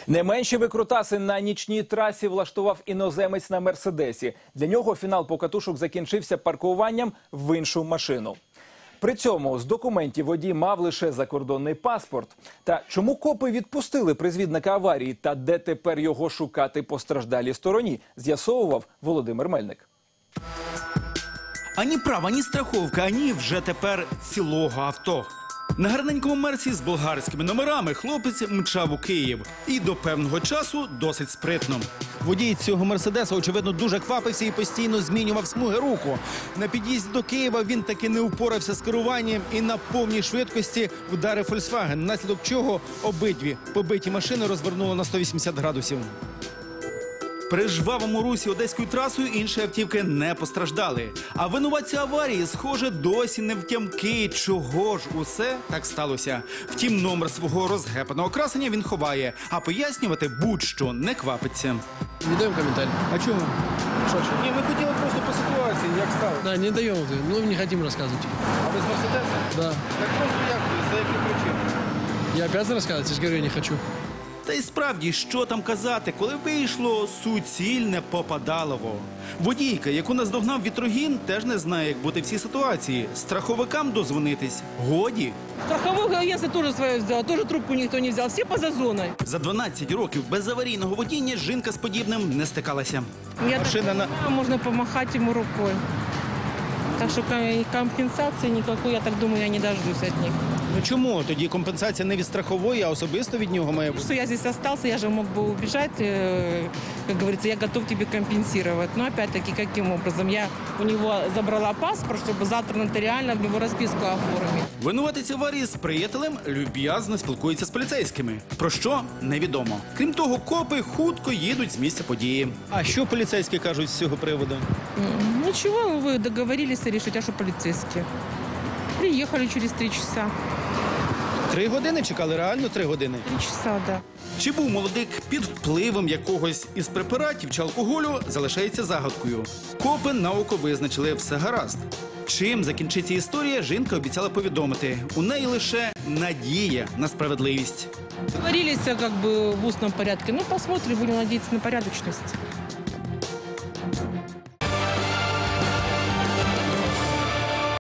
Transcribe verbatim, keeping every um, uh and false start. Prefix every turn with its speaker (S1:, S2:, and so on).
S1: Не менші викрутаси на нічній трасі влаштував іноземець на «Мерседесі». Для нього фінал покатушок закінчився паркуванням в іншу машину. При цьому з документів водій мав лише закордонний паспорт. Та чому копи відпустили призвідника аварії та де тепер його шукати постраждалій стороні, з'ясовував Володимир Мельник.
S2: Ані права, ні страховка, ані вже тепер цілого авто. На гарненькому мерсі з болгарськими номерами хлопець мчав у Київ. І до певного часу досить спритно. Водій цього мерседеса, очевидно, дуже квапився і постійно змінював смуги руху. На під'їзді до Києва він таки не впорався з керуванням і на повній швидкості вдарив «Фольксваген», наслідок чого обидві побиті машини розвернуло на сто вісімдесят градусів. При жвавому русі одеською трасою інші автівки не постраждали. А винуватці аварії, схоже, досі не втямки, чого ж усе так сталося. Втім, номер свого розгепаного красення він ховає, а пояснювати будь-що не квапиться.
S3: Не даємо коментар.
S2: А чому?
S3: Що, що?
S2: Ні, ми хотіли просто по ситуації, як сталося.
S3: Да, не даємо, ну не хочемо розказувати.
S2: А ви з Мерседеса?
S3: Да.
S2: Так просто як, за які причини?
S3: Я обязан розказувати, я ж говорю, я не хочу.
S2: Та й справді, що там казати, коли вийшло суцільне попадалово. Водійка, яку наздогнав вітрогін, теж не знає, як бути в цій ситуації. Страховикам дозвонитись годі.
S4: Страховое агентство тоже свое сделало, тоже трубку никто не взял, все поза зоной.
S2: За дванадцять років без аварійного водіння жінка з подібним не стикалася.
S4: Я
S2: Машина
S4: так
S2: на...
S4: понимаю, можно помахать ему рукой. Так что компенсации никакой, я так думаю, я не дождусь от них.
S2: Ну чому? Тоді компенсація не від страхової, а особисто від нього має бути.
S4: Что я здесь остался, я же мог бы убежать, э, как говорится, я готов тебе компенсировать. Но опять-таки, каким образом? Я у него забрала паспорт, чтобы завтра нотариально в него расписку оформить.
S2: Винуватець аварії з приятелем люб'язно спілкується з поліцейськими. Про що? Невідомо. Крім того, копи хутко їдуть з місця події. А що поліцейські кажуть з цього приводу?
S4: М, Ничего, вы договорились решить, а что полицейские? Приехали через три часа.
S2: Три години чекали? Реально три години?
S4: Три часа, да.
S2: Чи був молодик під впливом якогось із препаратів чи алкоголю, залишається загадкою. Копи на око визначили, все гаразд. Чим закінчиться історія, жінка обіцяла повідомити. У неї лише надія на справедливість.
S4: Договорились как бы в устном порядке. Ну, посмотрим, будем надеяться на порядочность.